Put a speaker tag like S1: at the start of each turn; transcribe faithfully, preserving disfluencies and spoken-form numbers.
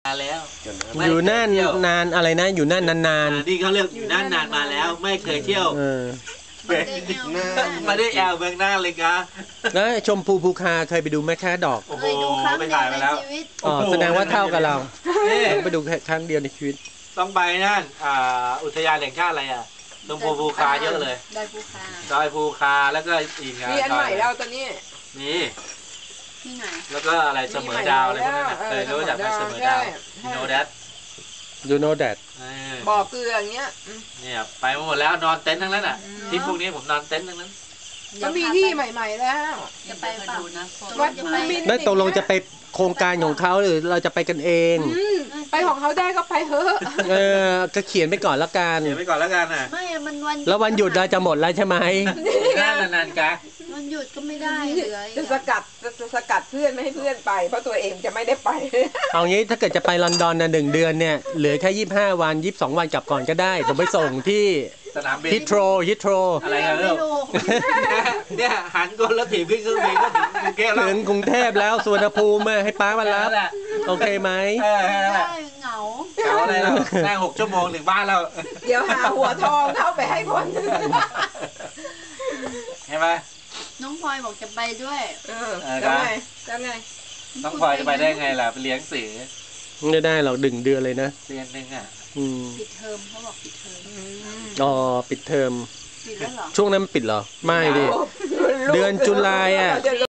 S1: มาแล้ว
S2: อยู่นั่นนานอะไรนะอยู่นั่นนาน
S1: ๆนี่เขาเรียกอยู่นั่นนานมาแล้วไม่เคยเที่ยวมาได้แอลเมืองน่านเลยกะ
S2: แล้วชมพูภูคาเคยไปดูไหมคะดอก
S1: โอ้โหไปถ่ายมาแล้ว
S2: อ๋อแสดงว่าเท่ากับเราไปดูแค่ครั้งเดียวในชีวิต
S1: ต้องไปนั่นอุทยานแห่งชาติอะไรอ่ะชมพูภูคาเยอะเลย
S3: ดอยภูคา
S1: ดอยภูคาแล้วก็อีกงาน
S4: มีอันใหม่แล้วตอนนี้
S1: มี
S3: ที่ไหน
S1: แล้วก็อะไรเสมอดาวอะไรพวกนั้นเคยรู้จักไหมเสมอดาวโนแดด
S2: ยูโนแดด
S4: บ่อเกลืออย่างเงี้ย
S1: เนี่ยไปมาหมดแล้วนอนเต็นท์ทั้งนั้นอ่ะที่พวกนี้ผมนอนเต็นท์ทั้งนั้น
S4: มันมีที่ใหม่ๆแล้ว
S3: จะไปเปล่านะ
S4: วัด
S2: นั่นตกลงจะไปโครงการของเขาหรือเราจะไปกันเอง
S4: ไปของเขาได้ก็ไปเถอะ
S2: เออก็เขียนไปก่อนละกัน
S1: เขียนไปก่อนละกันอ่ะ
S3: ไม่มันวัน
S2: แล้ววันหยุดเราจะหมดแล้วใช่ไหม
S1: นานๆกะ
S3: วันหยุดก็ไม่ได้เหลือ
S4: จะสกัดจะสกัดเพื่อนไม่ให้เพื่อนไปเพราะตัวเองจะไม่ได้ไป
S2: เอางี้ถ้าเกิดจะไปลอนดอนนะหนึ่งเดือนเนี่ยเหลือแค่ยี่สิบห้าวันยี่สิบสองวันกลับก่อนก็ได้ผมไปส่งที่
S1: สนามบิน
S2: ฮิตโตรฮิตโตร
S1: อะไรกันลูกเนี่ยหันก้นแล้วถีบขึ้นเครื่องบินก็ถึงกรุงเทพแล้ว
S2: ถึงกรุงเทพแล้วสุวรรณภูมิให้ป้ามารับโอเคไหม
S3: ได้เหงา
S1: เหงาอะไรเรานั่งหกชั่วโมงถึงบ้านแล้ว
S4: เดี๋ยวหาหัวทองเข้าไปให้คน
S1: เห็นไหม
S3: น้องพลอยบอกจะไปด้วย
S4: เออแล้วไงแล้วไง
S1: น้องพลอยจะไปได้ไงล่ะไปเลี้ยงเสือ
S2: ไม่ได้หรอกดึงเดือนเลยนะ
S1: เดือนนึงอ่ะ
S3: ปิดเทอมเขาบอกปิดเทอม
S2: อ๋อปิดเทอม
S3: ปิดแล้วเหรอ
S2: ช่วงนั้นปิดเหรอไม่ดิเดือนตุลาอ่ะ